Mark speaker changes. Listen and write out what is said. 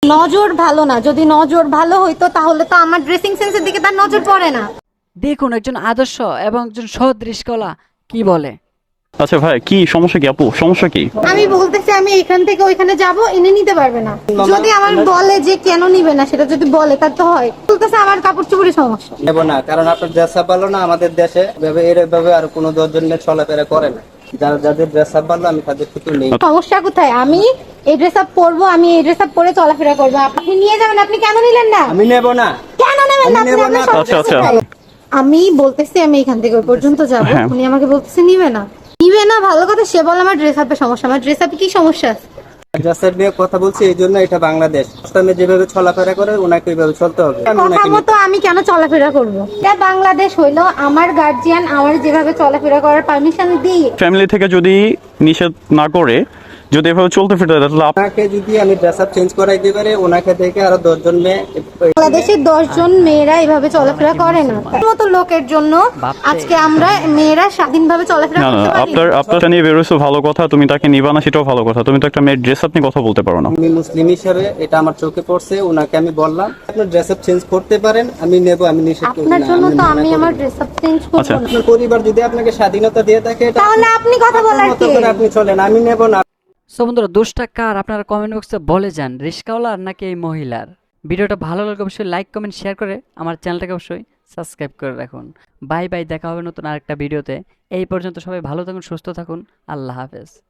Speaker 1: নজর ভালো না, যদি নজর ভালো হইতো তাহলে তো আমার ড্রেসিং সেন্সের দিকে তার নজর পড়ে না।
Speaker 2: দেখুন একজন আদর্শ এবং একজন সৎ রিস্কওয়ালা কি বলে।
Speaker 3: আচ্ছা ভাই, কি সমস্যা, কি আপু সমস্যা কি?
Speaker 1: আমি বলতেছি আমি এখান থেকে ওইখানে যাব, এনে নিতে পারবে না। যদি আমার বলে যে কেন নিবে না, সেটা যদি বলে তার তো হয়। বলতেছে আমার কাপড় চোপড়ের সমস্যা।
Speaker 4: নেব না, কারণ আপনার ড্রেস আপ ভালো না। আমাদের দেশে এভাবে আর কোনো 10 জন মেয়ে চলাফেরা করে না। যাদের ড্রেস আপ ভালো আমি তাদের থেকে নেই।
Speaker 1: সমস্যা কোথায়? আমি এই ড্রেস আপ পরবো, আমি এই ড্রেস আপ পরে চলাফেরা করবো। আপনি নিয়ে যাবেন, আপনি কেন নিলেন না?
Speaker 4: আমি নেব না।
Speaker 1: কেন নেবেন না?
Speaker 4: আমি নেব না।
Speaker 1: আপনার
Speaker 3: আচ্ছা,
Speaker 1: সমস্যা
Speaker 3: আচ্ছা।
Speaker 1: কোথায়? আমি বলতেছি আমি এখান থেকে ওই পর্যন্ত যাব,
Speaker 3: হ্যাঁ।
Speaker 1: উনি আমাকে বলতেছে নিবে না। নিবে না ভালো কথা, সে বলে আমার ড্রেস আপে সমস্যা। আমার ড্রেস আপে কি সমস্যা আছে?
Speaker 4: ড্রেস আপ নিয়ে কথা বলছি এই জন্য, এটা বাংলাদেশ। ইসলামে যেভাবে চলাফেরা করে ওনাকে ওইভাবে চলতে হবে। আমি
Speaker 1: কথা
Speaker 4: ওনাকে
Speaker 1: মতো আমি কেন চলাফেরা করবো? এটা বাংলাদেশ হইলো, আমার গার্জিয়ান আমার যেভাবে চলাফেরা করার পারমিশন দিই।
Speaker 3: ফ্যামিলি থেকে যদি নিষেধ না করে যদি এভাবে চলতে ফিরতে দেয়, তাহলে
Speaker 4: ওনাকে যদি আমি ড্রেস আপ চেঞ্জ করাই দিতে পারি, ওনাকে থেকে আরো 10 জন মেয়ে
Speaker 1: বাংলাদেশের 10 জন মেয়েরা এভাবে চলাফেরা করে না। তার মতো লোকের জন্য আজকে আমরা মেয়েরা স্বাধীনভাবে চলাফেরা
Speaker 3: না না,
Speaker 1: করতে পারি।
Speaker 3: আপনার নিয়ে বেরোছো ভালো কথা, তুমি তাকে নিবা না সেটাও ভালো কথা। তুমি তো একটা মেয়ের ড্রেস আপ নিয়ে কথা বলতে পারো না।
Speaker 4: আমি মুসলিম হিসেবে এটা আমার চোখে পড়ছে। ওনাকে আমি বললাম আপনি ড্রেস আপ চেঞ্জ করতে পারেন, আমি নেব, আমি নিষেধ করি
Speaker 1: আপনার
Speaker 4: না।
Speaker 1: জন্য তো
Speaker 4: মানা
Speaker 1: আমি
Speaker 4: করি
Speaker 1: আমার
Speaker 4: না।
Speaker 1: ড্রেস আপ চেঞ্জ করব
Speaker 3: আচ্ছা।
Speaker 1: না।
Speaker 4: আপনার পরিবার যদি আপনাকে স্বাধীনতা দিয়ে থাকে, এটা
Speaker 1: তাহলে আপনি কথা
Speaker 4: আপনার
Speaker 1: বলার
Speaker 4: মতো
Speaker 1: কে?
Speaker 4: করে আপনি চলেন, আমি নেব না।
Speaker 2: সো বন্ধুরা, দোষটা কার আপনারা কমেন্ট বক্সে বলে যান, রিস্কাওয়ালার নাকি এই মহিলার? ভিডিওটা ভালো লাগলে অবশ্যই লাইক কমেন্ট শেয়ার করে আমার চ্যানেলটাকে অবশ্যই সাবস্ক্রাইব করে রাখুন। বাই বাই, দেখা হবে নতুন আরেকটা ভিডিওতে। এই পর্যন্ত সবাই ভালো থাকুন, সুস্থ থাকুন, আল্লাহ হাফেজ।